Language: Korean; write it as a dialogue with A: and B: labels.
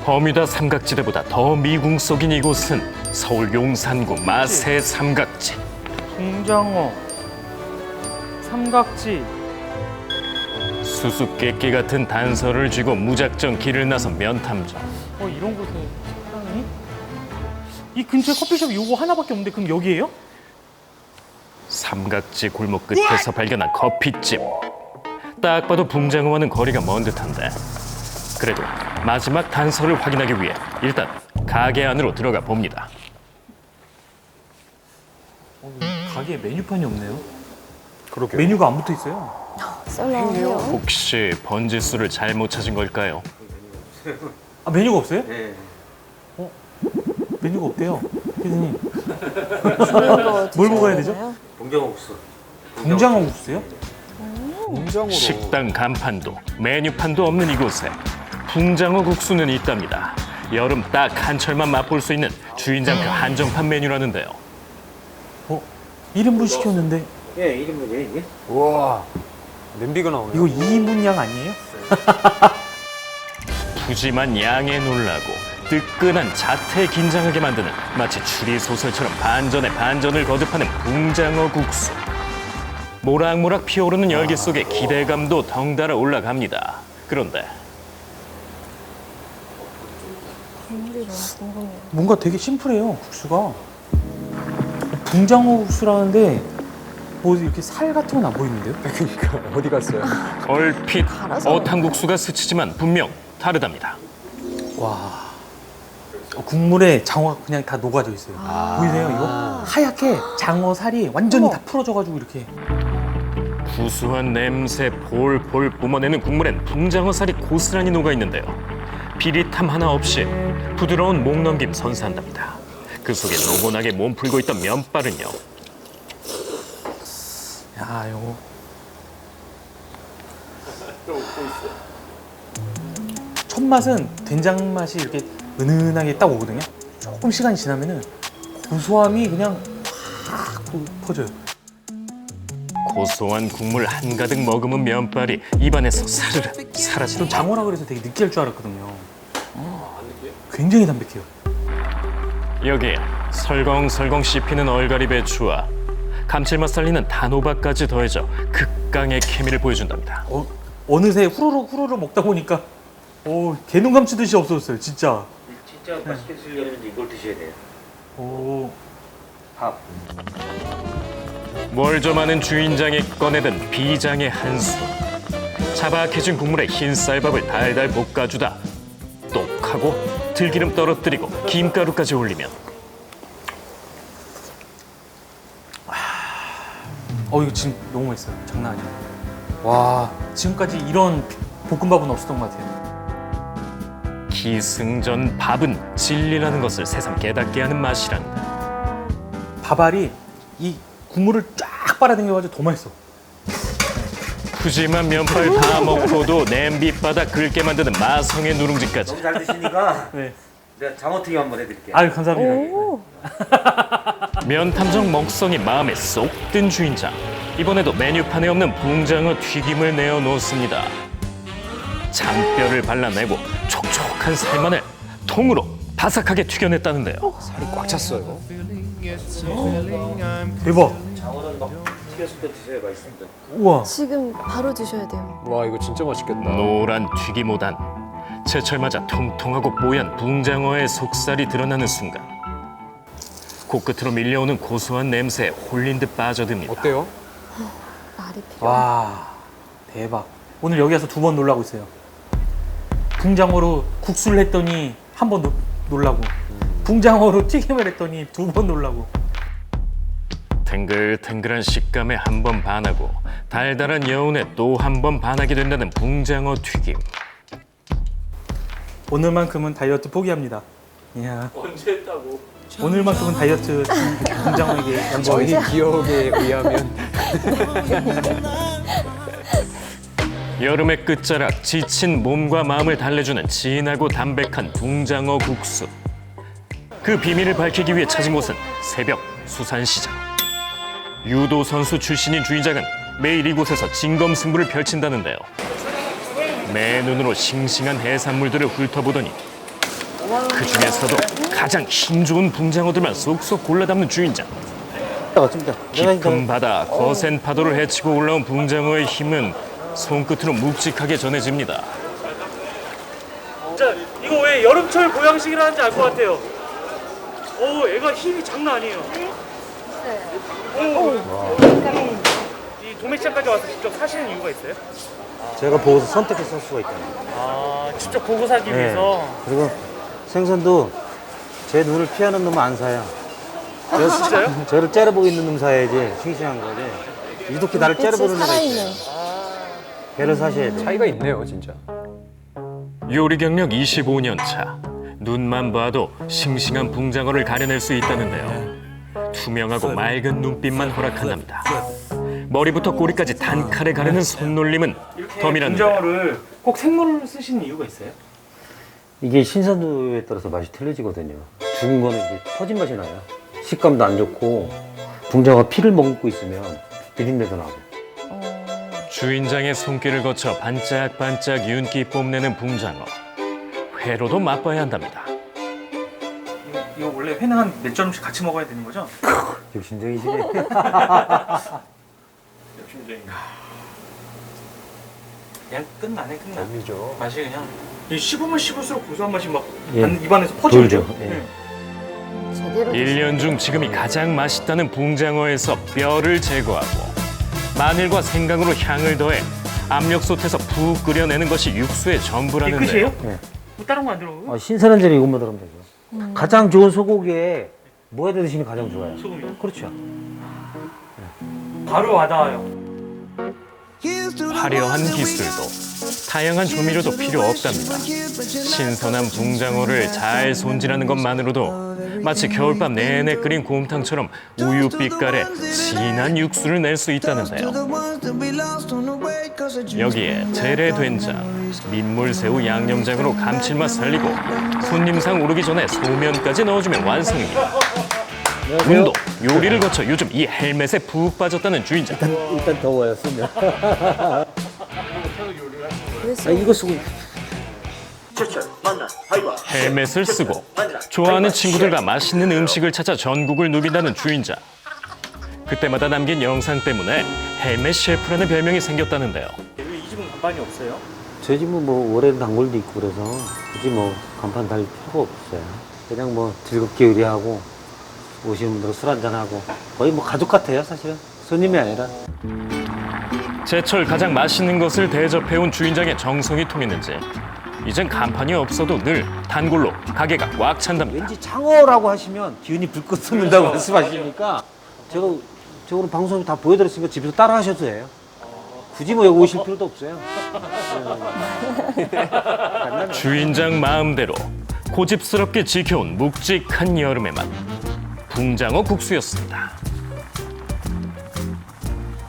A: 버뮤다 삼각지대보다 더 미궁 속인 이곳은 서울 용산구 마세 삼각지.
B: 붕장어, 삼각지.
A: 수수께끼 같은 단서를 쥐고 무작정 길을 나선 면탐정.
B: 이런 곳에 식당이? 이 근처에 커피숍 요거 하나밖에 없는데 그럼 여기예요?
A: 삼각지 골목 끝에서 발견한 커피집. 딱 봐도 붕장어와는 거리가 먼 듯한데 그래도 마지막 단서를 확인하기 위해 일단 가게 안으로 들어가 봅니다.
B: 가게에 메뉴판이 없네요.
C: 그러게요.
B: 메뉴가 안 붙어 있어요.
D: 썰렁해요.
A: 혹시 번지수를 잘못 찾은 걸까요?
B: 아 메뉴가 없어요?
C: 네.
B: 메뉴가 없대요. 피디님.
D: 뭘
B: 먹어야 되죠?
C: 봉경옥수.
B: 붕장어 국수요?
C: 봉장어로.
A: 식당 간판도 메뉴판도 없는 이곳에 붕장어 국수는 있답니다. 여름 딱 한철만 맛볼 수 있는 주인장표 한정판 메뉴라는데요.
B: 1인분 시켰는데
C: 예, 이름은요 이게?
E: 우와, 냄비가 나오네.
B: 이거 2인분 양 아니에요?
A: 푸짐한 양에 놀라고 뜨끈한 자태 긴장하게 만드는 마치 추리 소설처럼 반전에 반전을 거듭하는 붕장어 국수. 모락모락 피어오르는 열기 속에 기대감도 덩달아 올라갑니다. 그런데
D: 국물이 너무 궁금해요.
B: 뭔가 되게 심플해요 국수가. 붕장어 국수라는데 뭐 이렇게 살 같은 건 안 보이는데요?
E: 그러니까 어디 갔어요?
A: 얼핏
D: 갈아서.
A: 어탕국수가 스치지만 분명 다르답니다.
B: 와. 국물에 장어가 그냥 다 녹아져 있어요. 보이세요 이거? 하얗게 장어 살이 완전히 다 풀어져가지고 이렇게.
A: 구수한 냄새 볼볼 뿜어내는 국물엔 붕장어 살이 고스란히 녹아있는데요. 비릿함 하나 없이 부드러운 목 넘김 선사한답니다. 그 속에 노곤하게 몸 풀고 있던 면발은요.
B: 야 이거. 첫 맛은 된장 맛이 이렇게 은은하게 딱 오거든요. 조금 시간이 지나면은 고소함이 그냥 확 퍼져요.
A: 고소한 국물 한가득 머금은 면발이 입안에서 사르르
B: 좀
A: 사라지는
B: 장어라 그래서 되게 느끼할 줄 알았거든요. 굉장히 담백해요.
A: 여기에 설렁설렁 씹히는 얼갈이 배추와 감칠맛 살리는 단호박까지 더해져 극강의 케미를 보여준답니다.
B: 어느새 후루룩 먹다 보니까 개눈 감치듯이 없어졌어요, 진짜.
C: 진짜 맛있게 드시려면 이걸 드셔야 돼요.
B: 오,
C: 밥.
A: 뭘 좀 아는 주인장이 꺼내든 비장의 한수. 자박해진 국물에 흰 쌀밥을 달달 볶아주다 똑하고 들기름 떨어뜨리고 김가루까지 올리면
B: 이거 지금 너무 맛있어요. 장난 아니에요. 와, 지금까지 이런 볶음밥은 없었던 것 같아요.
A: 기승전 밥은 진리라는 것을 새삼 깨닫게 하는 맛이란다.
B: 밥알이 이 국물을 쫙 빨아당겨가지고 더 맛있어.
A: 푸짐한 면발 다 먹고도 냄비바닥 긁게 만드는 마성의 누룽지까지.
C: 너무 잘 드시니까
B: 네.
C: 내가 장어튀김 한번 해드릴게요.
B: 아유, 감사합니다.
D: 오,
A: 면탐정 먹성이 마음에 쏙 든 주인장. 이번에도 메뉴판에 없는 붕장어 튀김을 내어놓습니다. 장뼈를 발라내고 촉촉한 살만을 통으로 바삭하게 튀겨냈다는데요.
E: 살이 꽉 찼어요.
B: 대박.
C: 장어는 막 튀겼을 때 드셔야 맛있습니다.
B: 우와.
D: 지금 바로 드셔야 돼요.
E: 와, 이거 진짜 맛있겠다.
A: 노란 튀김오단. 제철 맞아 통통하고 뽀얀 붕장어의 속살이 드러나는 순간 코끝으로 밀려오는 고소한 냄새에 홀린 듯 빠져듭니다.
E: 어때요?
D: 말이 필요.
B: 와, 대박. 오늘 여기 와서 2번 놀라고 있어요. 붕장어로 국수를 했더니 한 번 놀라고. 붕장어로 튀김을 했더니 2번 놀라고.
A: 탱글탱글한 식감에 한 번 반하고 달달한 여운에 또 한 번 반하게 된다는 붕장어 튀김.
B: 오늘만큼은 다이어트 포기합니다. 이야. 언제 했다고? 오늘만큼은 다이어트 붕장어에게 양보하기.
E: 저희 기억에 의하면
A: 여름의 끝자락 지친 몸과 마음을 달래주는 진하고 담백한 붕장어 국수. 그 비밀을 밝히기 위해 찾은 곳은 새벽 수산시장. 유도 선수 출신인 주인장은 매일 이곳에서 진검승부를 펼친다는데요. 매 눈으로 싱싱한 해산물들을 훑어보더니 그 중에서도 가장 힘 좋은 붕장어들만 쏙쏙 골라 담는 주인장. 깊은 바다 거센 파도를 헤치고 올라온 붕장어의 힘은 손끝으로 묵직하게 전해집니다.
B: 진짜 이거 왜 여름철 보양식이라는지 알 것 같아요. 오, 애가 힘이 장난 아니에요. 이 도매시장까지 와서 직접 사시는 이유가 있어요?
F: 제가 보고서 선택해서 살 수가 있잖아요.
B: 아, 직접 보고 사기 위해서.
F: 그리고 생선도 제 눈을 피하는 놈은 안 사요.
B: 진짜요?
F: 저를 째려보고 있는 놈 사야지 싱싱한 거지. 이렇게 나를 째려보는 애가
D: 살아있는.
F: 있어요. 걔를 사셔야 돼요.
E: 차이가 있네요, 진짜.
A: 요리 경력 25년 차. 눈만 봐도 싱싱한 붕장어를 가려낼 수 있다는데요. 투명하고 맑은 눈빛만 허락한답니다. 머리부터 꼬리까지 단칼에 가르는 손놀림은 덤이라는데요.
B: 붕장어를 꼭 생물로 쓰시는 이유가 있어요?
F: 이게 신선도에 따라서 맛이 틀려지거든요. 죽은 거는 이제 퍼진 맛이 나요. 식감도 안 좋고 붕장어가 피를 먹고 있으면 비린내도 나고.
A: 주인장의 손길을 거쳐 반짝반짝 윤기 뽐내는 붕장어. 회로도 맛봐야 한답니다.
B: 이거 원래 회는 한 몇 점씩 같이 먹어야 되는 거죠?
F: 욕심쟁이시네.
B: 그냥 끝나네.
E: 재미죠.
B: 맛이 그냥 씹으면 씹을수록 고소한 맛이 막
F: 예.
B: 입안에서 퍼지죠.
F: 돌죠. 예.
D: 제대로
A: 1년 중 지금이 가장 맛있다는 붕장어에서 뼈를 제거하고 마늘과 생강으로 향을 더해 압력솥에서 푹 끓여내는 것이 육수의
B: 이게
A: 전부라는데요.
B: 끝이에요?
F: 네.
B: 뭐 다른 거 안 들어가요?
F: 신선한 재료 이것만 들으면 되죠. 가장 좋은 소고기에 뭐 해서 드시면 가장 좋아요?
B: 소금이요?
F: 그렇죠.
B: 바로 와닿아요.
A: 화려한 기술도 다양한 조미료도 필요 없답니다. 신선한 붕장어를 잘 손질하는 것만으로도 마치 겨울밤 내내 끓인 곰탕처럼 우유 빛깔의 진한 육수를 낼 수 있다는데요. 여기에 재래된장, 민물새우 양념장으로 감칠맛 살리고 손님상 오르기 전에 소면까지 넣어주면 완성입니다. 운도 요리를 거쳐 요즘 이 헬멧에 푹 빠졌다는 주인장.
F: 일단 더워요, 쓰면.
D: 그래서
F: 이거 쓰고
A: 헬멧을 쓰고 좋아하는 친구들과 맛있는 음식을 찾아 전국을 누빈다는 주인장. 그때마다 남긴 영상 때문에 헬멧 셰프라는 별명이 생겼다는데요.
B: 왜 이 집은 간판이 없어요?
F: 저희 집은 뭐 올해는 단골도 있고 그래서 굳이 뭐 간판 달 필요가 없어요. 그냥 뭐 즐겁게 요리하고 오시는 분들 술 한잔하고 거의 뭐 가족 같아요, 사실은. 손님이 아니라.
A: 제철 가장 맛있는 것을 대접해온 주인장의 정성이 통했는지 이젠 간판이 없어도 늘 단골로 가게가 꽉 찬답니다.
F: 왠지 창어라고 하시면 기운이 불끈 솟는다고 말씀하시니까 제가 저거는 방송에 다 보여드렸으니까 집에서 따라 하셔도 돼요. 굳이 뭐 여기 오실 필요도 없어요.
A: 주인장 마음대로 고집스럽게 지켜온 묵직한 여름의 맛. 붕장어 국수였습니다.